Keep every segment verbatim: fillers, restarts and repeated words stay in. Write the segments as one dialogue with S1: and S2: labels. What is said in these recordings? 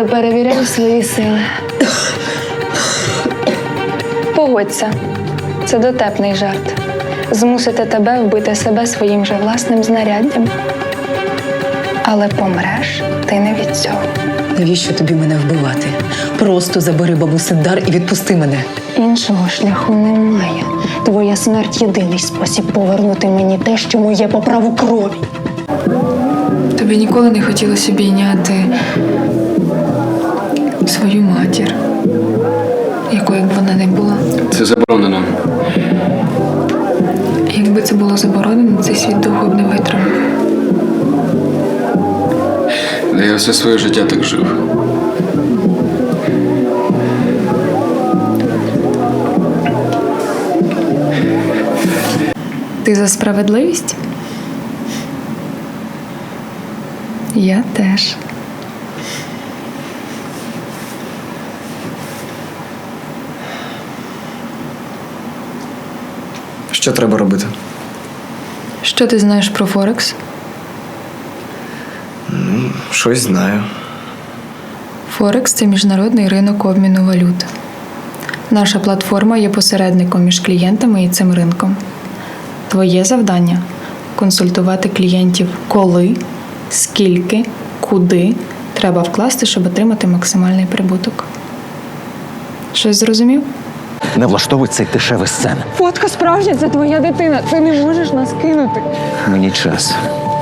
S1: перевіряю свої сили. Погодься, це дотепний жарт. Змусити тебе вбити себе своїм же власним знаряддям. Але помреш ти не від цього.
S2: Навіщо тобі мене вбивати? Просто забери бабусин дар і відпусти мене.
S1: Іншого шляху немає. Твоя смерть – єдиний спосіб повернути мені те, що моє по праву крові.
S3: Тобі ніколи не хотілося обійняти свою матір, якою б вона не була.
S4: Це заборонено.
S3: Якби це було заборонено, цей світ довго б не витримав.
S4: Я все своє життя так жив.
S3: Ти за справедливість? Я теж.
S5: Що треба робити?
S3: Що ти знаєш про Форекс?
S5: Щось знаю.
S3: Форекс – це міжнародний ринок обміну валют. Наша платформа є посередником між клієнтами і цим ринком. Твоє завдання – консультувати клієнтів коли, скільки, куди треба вкласти, щоб отримати максимальний прибуток. Щось зрозумів?
S6: Не влаштовуй цей дешевий сцен.
S1: Фотка справжня, це твоя дитина. Ти не можеш нас кинути.
S6: Мені час.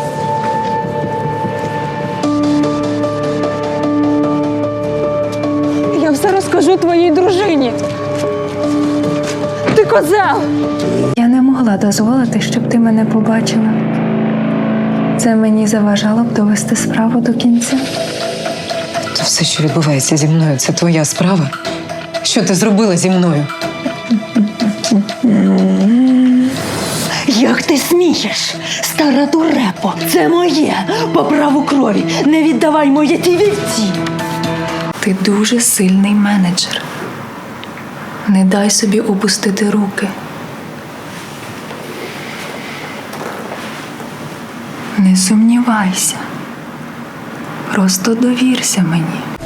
S1: Я все розкажу твоїй дружині. Ти козел! Я не могла дозволити, щоб ти мене побачила. Це мені заважало б довести справу до кінця.
S2: То все, що відбувається зі мною, це твоя справа? Що ти зробила зі мною?
S7: Як ти смієш, стара дурепо? Це моє, по праву крові. Не віддавай моє ті вівці.
S3: Ти дуже сильний менеджер. Не дай собі опустити руки. Не сумнівайся. Просто довірся мені.